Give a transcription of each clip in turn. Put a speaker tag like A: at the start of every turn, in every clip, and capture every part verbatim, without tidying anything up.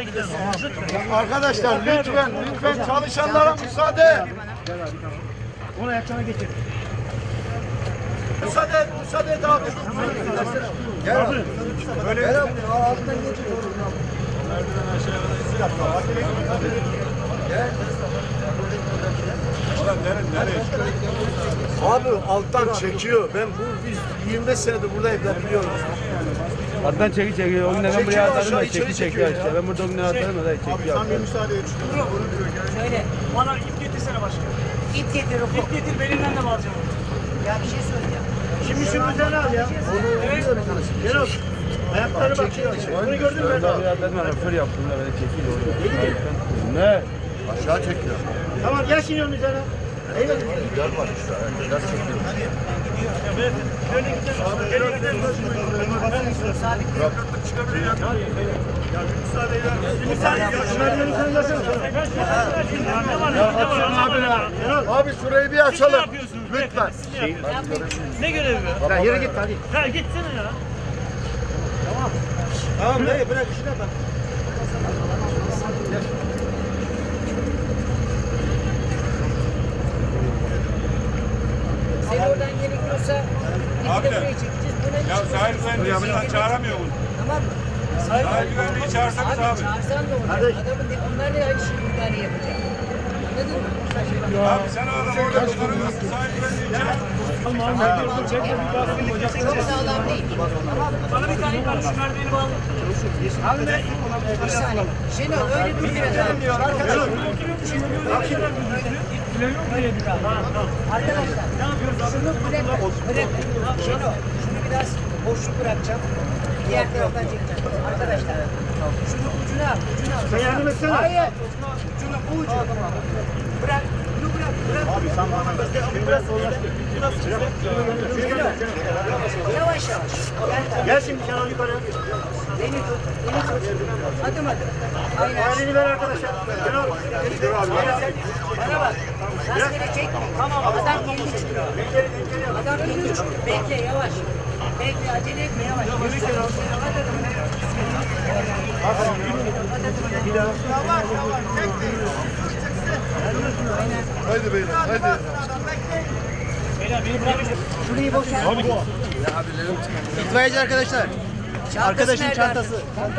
A: Arkadaşlar lütfen lütfen çalışanlara müsaade.
B: Onu ayaklarına getir.
A: Müsaade et, müsaade et abi. Gel abi. Böyle gel abi. Altından geçin. Merdiven aşağıya gel. Abi alttan çekiyor. Ben bu biz yirmi beş senedir buradayım, ben biliyorum.
C: Alttan çeki çekiyor. O günden ben buraya atarım da çeki çekiyor işte. Ben burada o günden atarım da çekiyor.
A: Sen bir müsaade et.
D: Söyle.
B: Bana ip getirsene başka.
D: İp getir oku.
B: İp getir belimden de bağlayacağım.
D: Ya bir şey söyleyeceğim.
B: Şimdi şu üzerine al ya. Evet. Gel ol. Ayakları bak. Bunu gördün mü?
C: Ben de atarım da fır yaptım da böyle çekiyor. Ne?
A: Aşağı çekiyor.
B: Tamam gel şimdi onun üzerine.
A: Gel bak işte. Gel çekiyor.
B: Evet. Şöyle gidelim. Gel gidelim.
A: Bırak. Çıkabilir ya. Ya bir müsaade eder misin?
B: Müsaade et. Merdiveni sen versene. Ne var? Ne var?
A: Abi, abi şurayı bir açalım.
B: Ne yapıyorsunuz?
A: Lütfen.
B: Ne görevi bu?
A: Ya yürü git hadi.
B: Ha gitsene ya.
A: Tamam dayı bırak işine bak.
D: Sen oradan gerekiyorsa ipi de buraya çekeceğiz. Buna
E: Ya sahil güvenliği çağıramıyor bunu.
D: Tamam mı?
E: Sahil güvenliği çağırsanız
D: Abi,
E: abi.
D: çağırsan da olacak. Adamın de, onlar da aynı şeyi müdahale yapacak. Anladın mı?
E: Abi sen o adam orada kullanamazsın. Sahil güvenliği çağır.
D: Çok sağlam değil. Tamam mı?
B: Bana bir tane var. Şu merdiveni bağla. Abi ne?
D: Bir saniye. Şenol öyle durmuyor. Arkadaşlar. Arkadaşlar. Şunu bırak. Bırak. Şenol. Şunu biraz boşluk bırakacağım. Diğer taraftan çekeceğim. Arkadaşlar. Şunu ucuna al. Ucuna al.
B: Sen yardım etsene.
D: Hayır. Ucuna bu ucu. Bırak. Bunu bırak. Bırak. Abi sen bana biraz yavaş yavaş. Gel.
B: Gel şimdi Şenol yukarı.
D: Beni tut. Beni tut. Adım adım. Aynen.
B: Aileni ver arkadaşlar. Şenol.
D: Bana bak. Rastgele çekme. Tamam. Adam kendi çıkıyor. Adam kendi çıkıyor. Bekle yavaş. Bekle acele etme yavaş. Yürü Şenol. At adımını. At adımını.
B: Bir daha.
D: Aynen.
A: Haydi beyler haydi.
B: Beyler beni bırakın.
D: Şurayı boşalt.
B: Abi bu.
A: İtfaiyeci arkadaşlar.
D: Arkadaşın çantası.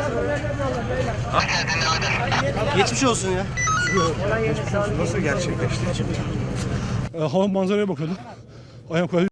A: Geçmiş olsun ya.
F: Hava manzaraya bakıyordum. Ayağım